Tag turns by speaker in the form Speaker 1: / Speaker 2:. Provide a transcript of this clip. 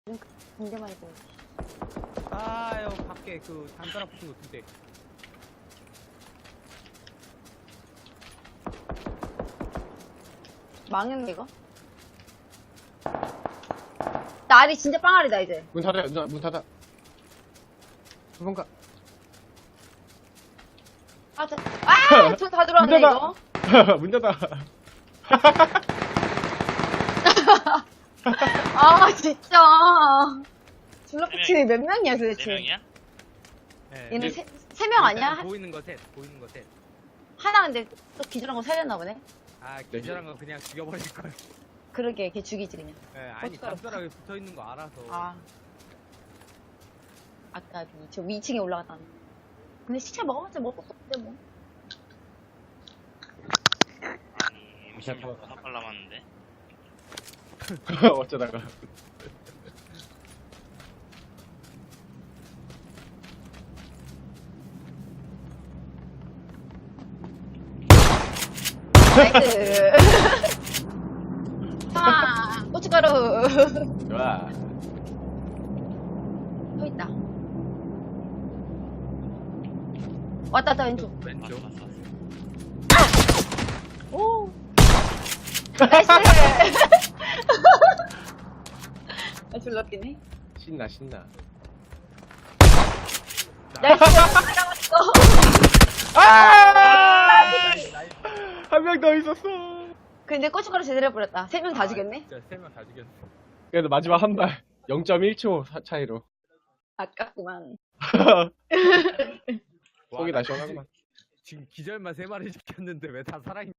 Speaker 1: 군대만 있고.
Speaker 2: 아유 밖에 그 단단한 붙은 거 2대.
Speaker 1: 망했네 이거. 날이 진짜 빵알이다 이제.
Speaker 3: 문 닫아, 문 닫아. 도망가.
Speaker 1: 아, 다 들어왔네
Speaker 3: 문 닫아.
Speaker 1: 이거.
Speaker 3: 문 닫아.
Speaker 1: 아 진짜. 줄라피치는 몇 명이야 도대체?
Speaker 4: 4명이야?
Speaker 2: 네.
Speaker 1: 얘네 세 명 아니야?
Speaker 2: 보이는 거 셋. 보이는 거 셋.
Speaker 1: 하나 근데 또 기절한 거 살렸나 보네.
Speaker 2: 아 기절한 거 그냥 죽여버릴 걸.
Speaker 1: 그러게 걔 죽이지 그냥.
Speaker 2: 네, 아니
Speaker 1: 고춧가루.
Speaker 2: 담벼락에 붙어 있는 거 알아서.
Speaker 1: 아. 아까 저 위층에 올라갔다. 근데 시체 먹어봤자 먹을 것도 없는데 뭐.
Speaker 4: 아니 M16 5발 남았는데.
Speaker 3: 어쩌다가.
Speaker 1: 나이스. 아, 고춧가루.
Speaker 3: 좋아.
Speaker 1: 또 있다. 왔다 왼쪽.
Speaker 2: 왼쪽.
Speaker 4: 왔어.
Speaker 1: 오. 나이스. 아, 졸랐겠네.
Speaker 3: 신나, 신나.
Speaker 1: 나이스. 나갔어.
Speaker 3: 한 명 더 있었어.
Speaker 1: 근데 고춧가루 제대로 해버렸다. 3명 다 죽였네?
Speaker 2: 진짜 3명 다 죽였어.
Speaker 3: 그래도 마지막 한 발. 0.1초 차이로.
Speaker 1: 아깝구만.
Speaker 3: 속이 다 시원하구만.
Speaker 2: 지금 기절만 3마리 시켰는데 왜 다 살아있냐.